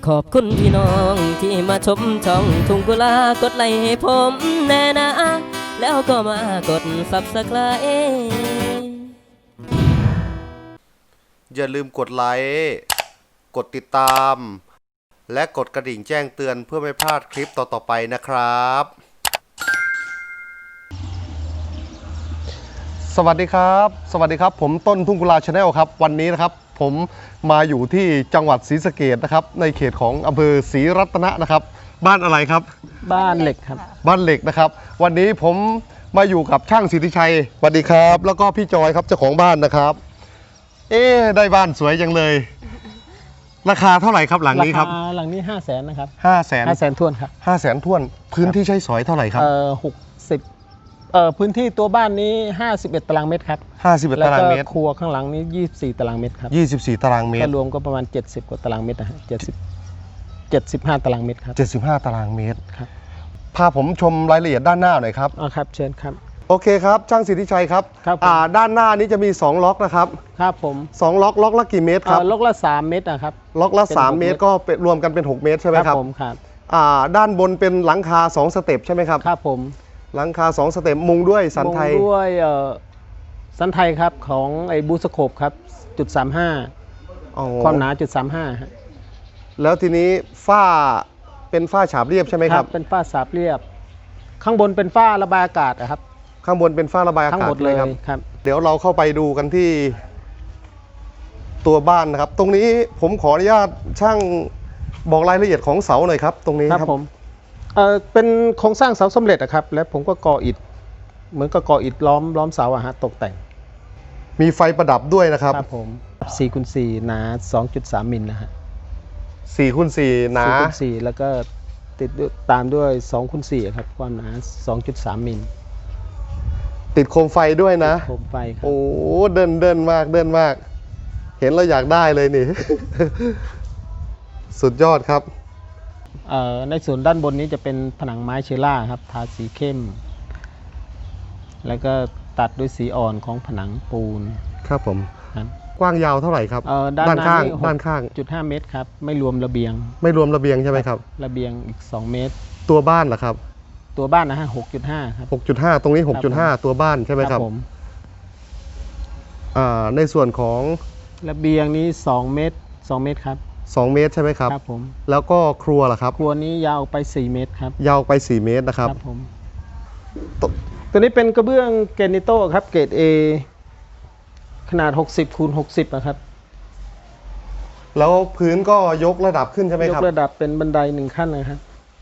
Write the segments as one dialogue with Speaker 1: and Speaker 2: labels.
Speaker 1: ขอบคุณพี่น้องที่มาชมช่องทุ่งกุลากดไลค์ให้ผมแน่นะแล้วก็มากด Subscribe
Speaker 2: อย่าลืมกดไลค์กดติดตาม และกดกระดิ่งแจ้งเตือนเพื่อไม่พลาดคลิปต่อๆไปนะครับ สวัสดีครับผมต้นทุ่งกุลาชาแนลครับวันนี้นะครับผมมาอยู่ที่จังหวัดศรีสะเกษนะครับในเขตของอำเภอศรีรัตนะนะครับบ้านอะไรครับ
Speaker 1: บ้านเหล็กครับ
Speaker 2: บ้านเหล็กนะครับวันนี้ผมมาอยู่กับช่างสิทธิชัยสวัสดีครับแล้วก็พี่จอยครับเจ้าของบ้านนะครับได้บ้านสวยจังเลยราคาเท่าไหร่ครับหลังนี้ครับ
Speaker 1: หลังนี้500,000นะครับ
Speaker 2: 500,000
Speaker 1: ท้วนครับ
Speaker 2: 500,000ท้วนพื้นที่ใช้สอยเท่าไหร่ครับ
Speaker 1: 60พื้นที่ตัวบ้านนี้51ตารางเมตรครับ
Speaker 2: 51ตารางเมตร
Speaker 1: ครัวข้างหลังนี้24ตารางเมตรครับ
Speaker 2: 24ตารางเมตร
Speaker 1: รวมก็ประมาณ70กว่าตารางเมตรนะฮะ75ตารางเมตรครับ
Speaker 2: 75ตารางเมตร
Speaker 1: ครับ
Speaker 2: พาผมชมรายละเอียดด้านหน้าหน่อยครับ
Speaker 1: ครับเชิญครับ
Speaker 2: โอเคครับช่างสิทธิชัยครับด้านหน้านี้จะมี2ล็อกนะครับ
Speaker 1: ครับผม
Speaker 2: 2ล็อกละกี่เมตรครับ
Speaker 1: ล็อกละ3เมตรนะครับ
Speaker 2: ล็อกละ3เมตรก็รวมกันเป็น6เมตรใช่ไหมครับ
Speaker 1: ผมครับ
Speaker 2: ด้านบนเป็นหลังคา2สเต็ปใช่ไหมครับ
Speaker 1: ครับผม
Speaker 2: หลังคา2สเต็ปมุงด้วยสันไทย
Speaker 1: ด้วยสันไทยครับของไอ้บูสโคปครับ.35ความหนา.35ฮะ
Speaker 2: แล้วทีนี้ฝ้าเป็นฝ้าฉาบเรียบใช่ไหมครับ
Speaker 1: เป็นฝ้าฉาบเรียบข้างบนเป็นฝ้าระบายอากาศครับ
Speaker 2: ข้างบนเป็นฝ้าระบายอากาศ
Speaker 1: ทั้งหมดเลยครับ
Speaker 2: เดี๋ยวเราเข้าไปดูกันที่ตัวบ้านนะครับตรงนี้ผมขออนุญาตช่างบอกรายละเอียดของเสาหน่อยครับตรงนี้ครับ
Speaker 1: ผมเป็นโครงสร้างเสาสำเร็จครับแล้วผมก็ก่ออิฐเหมือนกับก่ออิฐล้อมเสาตกแต่ง
Speaker 2: มีไฟประดับด้วยนะครับ
Speaker 1: ครับผม4x4หนา 2.3 มิลนะฮะ
Speaker 2: 4x4หนา
Speaker 1: 4x4แล้วก็ติดตามด้วย 2x4 ครับความหนา 2.3 มิล
Speaker 2: ติดโคมไฟด้วยนะ
Speaker 1: โคมไฟครับ
Speaker 2: โอ้เดินมากเห็นแล้วอยากได้เลยนี่ สุดยอดครับ
Speaker 1: ในส่วนด้านบนนี้จะเป็นผนังไม้เชล่าครับทาสีเข้มแล้วก็ตัดด้วยสีอ่อนของผนังปูน
Speaker 2: ครับผมกว้างยาวเท่าไหร่ครับด้านข้าง
Speaker 1: 6.5 เมตรครับไม่รวมระเบียง
Speaker 2: ใช่ไหมครับ
Speaker 1: ระเบียงอีก2เมตร
Speaker 2: ตัวบ้านเหรอครับ
Speaker 1: ตัวบ้านนะฮะ 6.5 ครับ
Speaker 2: 6.5 ตรงนี้ 6.5 ตัวบ้านใช่ไหมครับผมในส่วนของ
Speaker 1: ระเบียงนี้2 เมตรครับ
Speaker 2: 2 เมตรใช่ไหมครับ
Speaker 1: ครับผม
Speaker 2: แล้วก็ครัวล่ะครับ
Speaker 1: ครัวนี้ยาวไป4 เมตรครับ
Speaker 2: ยาวไป4 เมตรนะครับ
Speaker 1: ครับผมตัวนี้เป็นกระเบื้องแกรนิโต้ครับเกรด A ขนาด60x60นะครับ
Speaker 2: แล้วพื้นก็ยกระดับขึ้นใช่ไหมครับ
Speaker 1: ยกระดับเป็นบันได1ขั้นนะครับ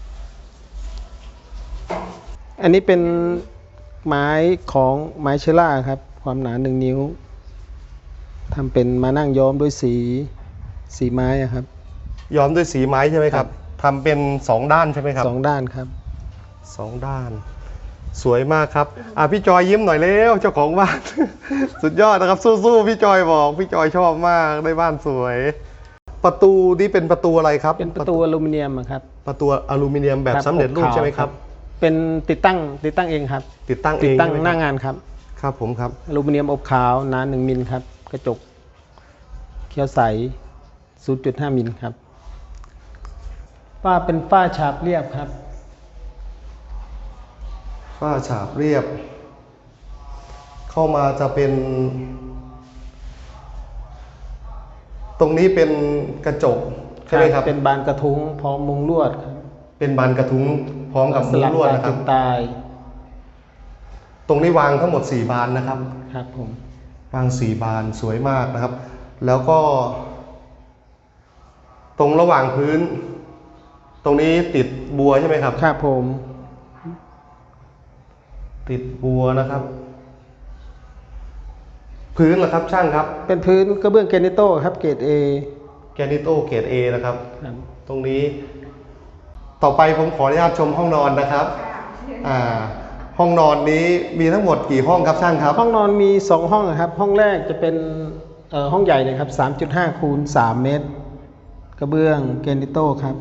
Speaker 1: อันนี้เป็นไม้ของไม้เชล่าครับความหนา1 นิ้วทำเป็นมานั่งย้อมด้วยสีไม้ครับ
Speaker 2: ย้อมด้วยสีไม้ใช่ไหมครับทำเป็น2ด้านใช่ไหมครับ
Speaker 1: 2ด้านครับ
Speaker 2: 2ด้านสวยมากครับพี่จอยยิ้มหน่อยเร็วเจ้าของบ้าน สุดยอดนะครับสู้ๆพี่จอยบอกพี่จอยชอบมากได้บ้านสวยประตูนี่เป็นประตูอะไรครับ
Speaker 1: เป็นประตูอลูมิเนียมครับ
Speaker 2: ประตูอลูมิเนียมแบบสำเร็จรูปใช่ไหมครับ
Speaker 1: เป็นติดตั้งเองครับ
Speaker 2: ติดตั้ง
Speaker 1: หน้างานครับ
Speaker 2: ครับผมครับ
Speaker 1: อลูมิเนียมอบขาวหนา1 มิลครับกระจกเขียวใส 0.5 มิลครับฝ้าเป็นฝ้าฉาบเรียบครับ
Speaker 2: ฝ้าฉาบเรียบเข้ามาจะเป็นตรงนี้เป็นกระจกใช่ไหมครับ
Speaker 1: เป็นบานกระทุ้งพร้อมมุงลวดครับ
Speaker 2: เป็นบานกระทุ้งพร้อมกับมุงลวดนะครับตรงนี้วางทั้งหมด4 บานนะครับ
Speaker 1: ครับผม
Speaker 2: วาง4 บานสวยมากนะครับแล้วก็ตรงระหว่างพื้นตรงนี้ติดบัวใช่ไหมครับ
Speaker 1: ครับผม
Speaker 2: ติดบัวนะครับพื้นล่ะครับช่างครับ
Speaker 1: เป็นพื้นกระเบื้องแกรนิโต้ครับเกรด A
Speaker 2: แกรนิโต้เกรด A นะครับตรงนี้ต่อไปผมขออนุญาตชมห้องนอนนะครับห้องนอนนี้มีทั้งหมดกี่ห้องครับช่างครับ
Speaker 1: ห้องนอนมี2 ห้องครับห้องแรกจะเป็นห้องใหญ่เลยครับ 3.5x3 เมตรกระเบื้องแกรนิโต้ครับ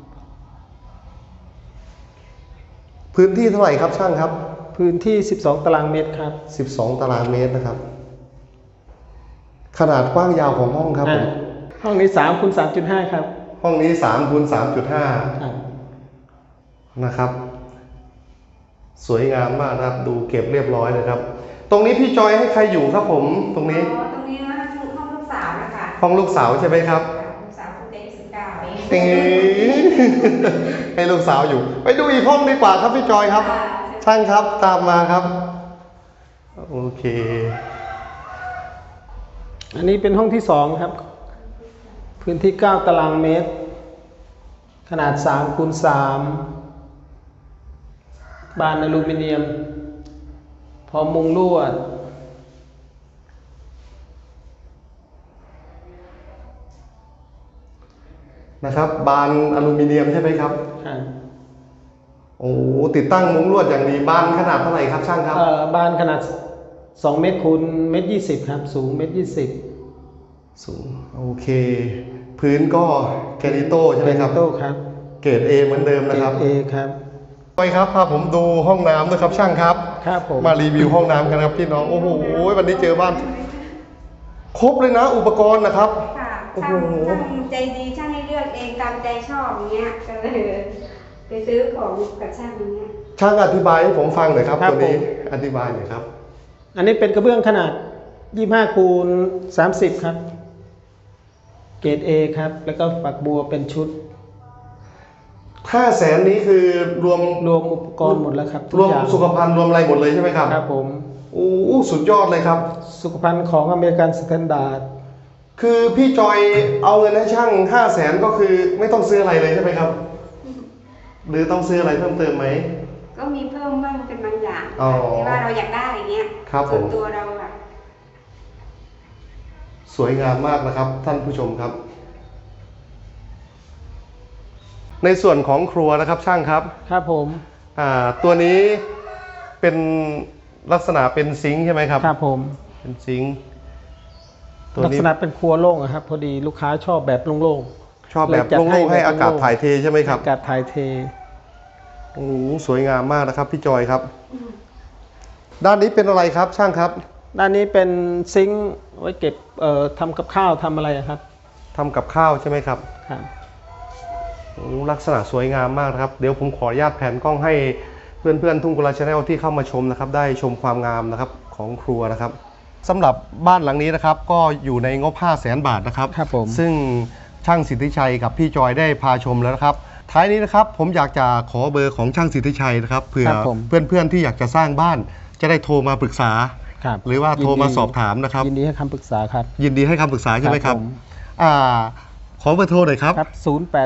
Speaker 2: พื้นที่เท่าไหร่ครับช่างครับ
Speaker 1: พื้นที่12 ตารางเมตรครับ
Speaker 2: 12 ตารางเมตรนะครับขนาดกว้างยาวของห้องครับผม
Speaker 1: ห้องนี้3x3.5ครับ
Speaker 2: หห้องนี้3 คูณ 3.5
Speaker 1: ครับ
Speaker 2: นะครับ สวยงามมากนะครับ ดูเก็บเรียบร้อยเลยครับ ตรงนี้พี่จอยให้ใครอยู่ครับผมตรงนี้
Speaker 3: ตรงนี้นะห้องลูกสาวนะคะ
Speaker 2: ห้องลูกสาวใช่ไหมครับ
Speaker 3: ลูกสาวคุณเด็ก19เอง
Speaker 2: เอ๊ะให้ลูกสาวอยู่ ไปดูอีกห้องดีกว่าครับพี่จอยครับ ช่างครับตามมาครับ โอเค
Speaker 1: อันนี้เป็นห้องที่2ครับ พื้นที่9 ตารางเมตร ขนาด3 คูณ 3 บานอลูมิเนียม พร้อมมุงลวด
Speaker 2: นะครับ บานอลูมิเนียมใช่ไหมครับ
Speaker 1: ครับ
Speaker 2: โอ้ติดตั้งมุ้งลวดอย่างดีบานขนาดเท่าไหร่ครับช่างครับ
Speaker 1: บานขนาด2 เมตรคูณ1 เมตร 20ครับ สูง1 เมตร 20
Speaker 2: สูงโอเค พื้นก็แกรนิโต้ใช่ไหมครับ
Speaker 1: โต้ครับ
Speaker 2: เกรด A เหมือนเดิมนะครับ
Speaker 1: เอครับ
Speaker 2: ไปครับพาผมดูห้องน้ำด้วยครับช่างครับ
Speaker 1: ครับผม
Speaker 2: มารีวิวห้องน้ำกันครับพี่น้องโอ้โหวันนี้เจอบ้าน ครบเลยนะอุปกรณ์นะครับ
Speaker 3: ค่ะ
Speaker 2: โอ้โห
Speaker 3: ช่างใจดีช่างให้เลือกเองตามใจชอบอย่างเงี้ยก็เลยไปซื้อของกับช่างอย่างเงี้ย
Speaker 2: ช่างอธิบายให้ผมฟังหน่อยครับ
Speaker 1: ครับ
Speaker 2: ตัวนี้
Speaker 1: ผม
Speaker 2: อธิบายหน่อยครับ
Speaker 1: อันนี้เป็นกระเบื้องขนาด 25 คูณ 30 ครับ เกรด A ครับ แล้วก็ฝักบัวเป็นชุด
Speaker 2: 500,000นี้คือรวม
Speaker 1: รวมอุปกรณ์หมดแล้วครับทุ
Speaker 2: ร
Speaker 1: ก
Speaker 2: วม
Speaker 1: อย่าง
Speaker 2: สุขภัณฑ์รวมอะไรหมดเลยใช่ไหมครับ
Speaker 1: ครับผม
Speaker 2: โอ้สุดยอดเลยครับ
Speaker 1: สุขภัณฑ์ของอเมริกันสแตนดาร์ด
Speaker 2: คือพี่จอยเอาเงินให้ช่าง500,000ก็คือไม่ต้องซื้ออะไรเลยใช่ไหมครับ หรือต้องซื้ออะไรเพิ่มเติมไหม
Speaker 3: ก็มีเพิ่มบ้างเป็นบางอย่าง
Speaker 2: อ๋อ
Speaker 3: ที่ว่าเราอยากได้อย่างเงี้ย
Speaker 2: ครับผม
Speaker 3: ส่วนตัวเราอะ
Speaker 2: สวยงามมากนะครับ ท่านผู้ชมครับ ในส่วนของครัวนะครับช่างครับ
Speaker 1: ครับผม
Speaker 2: ตัวนี้เป็นลักษณะเป็นซิงค์ใช่ไหมครับ
Speaker 1: ครับผม
Speaker 2: เป็นซิงค์ตัว
Speaker 1: ลัก
Speaker 2: นี้
Speaker 1: ษณะเป็นครัวโล่งอะครับ พอดีลูกค้าชอบแบบโล่ง
Speaker 2: ชอบแบบ
Speaker 1: เลยจัดให้
Speaker 2: โล่งๆให้
Speaker 1: แบบ
Speaker 2: อากาศ
Speaker 1: โล่งๆ
Speaker 2: ถ่ายเทใช่ไหมครับ
Speaker 1: ๆอากาศถ่ายเท
Speaker 2: โอ้โหสวยงามมากนะครับพี่จอยครับ ด้านนี้เป็นอะไรครับช่างครับ
Speaker 1: ด้านนี้เป็นซิงค์ไว้เก็บทำกับข้าวทำอะไรอะครับ
Speaker 2: ทำกับข้าวใช่ไหมครับ
Speaker 1: ครับ
Speaker 2: โอ้ลักษณะสวยงามมากนะครับ เดี๋ยวผมขออนุญาตแผนกล้องให้เพื่อนๆทุ่งกุลาชาแนลที่เข้ามาชมนะครับ ได้ชมความงามนะครับของครัวนะครับสำหรับบ้านหลังนี้นะครับก็อยู่ในงบ 500,000 บาทนะครับ
Speaker 1: ครับผม
Speaker 2: ซึ่งช่างสิทธิชัยกับพี่จอยได้พาชมแล้วนะครับ ท้ายนี้นะครับผมอยากจะขอเบอร์ของช่างสิทธิชัยนะครับเผื่อ
Speaker 1: ครับผม
Speaker 2: เพื่อนๆที่อยากจะสร้างบ้านจะได้โทรมาปรึกษา
Speaker 1: ครับ
Speaker 2: หรือว่าโทรมาสอบถามนะครับ
Speaker 1: ยินดีให้คำปรึกษาครับ
Speaker 2: ยินดีให้คำปรึกษาใช่ไหมครับ
Speaker 1: ผม
Speaker 2: ขอเบอร์โทรหน่อยครับ
Speaker 1: ครับ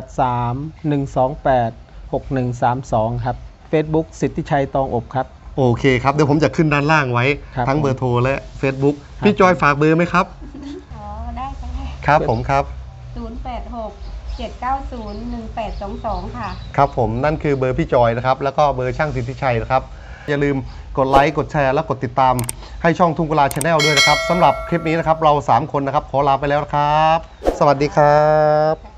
Speaker 1: 083-128-6132 ครับ Facebook สิทธิชัยตองอบครับ
Speaker 2: โอเคครับ เดี๋ยวผมจะขึ้นด้านล่างไว้
Speaker 1: ครับ
Speaker 2: ทั้ง
Speaker 1: ผม
Speaker 2: เบอร์โทรและ Facebook
Speaker 1: ครับ
Speaker 2: พี่จอยฝากเบอร์ไหมครับ
Speaker 3: อ๋อได้ค่ะ
Speaker 2: ครับผมครับ
Speaker 3: 086-790-1822 ค่ะ
Speaker 2: ครับผมนั่นคือเบอร์พี่จอยนะครับ แล้วก็เบอร์ช่างสิทธิชัยนะครับ อย่าลืมกดไลค์กดแชร์และกดติดตามให้ช่องทุ่งกุลาชาแนลด้วยนะครับสำหรับคลิปนี้นะครับเรา 3 คนนะครับขอลาไปแล้วนะครับ สวัสดีครับ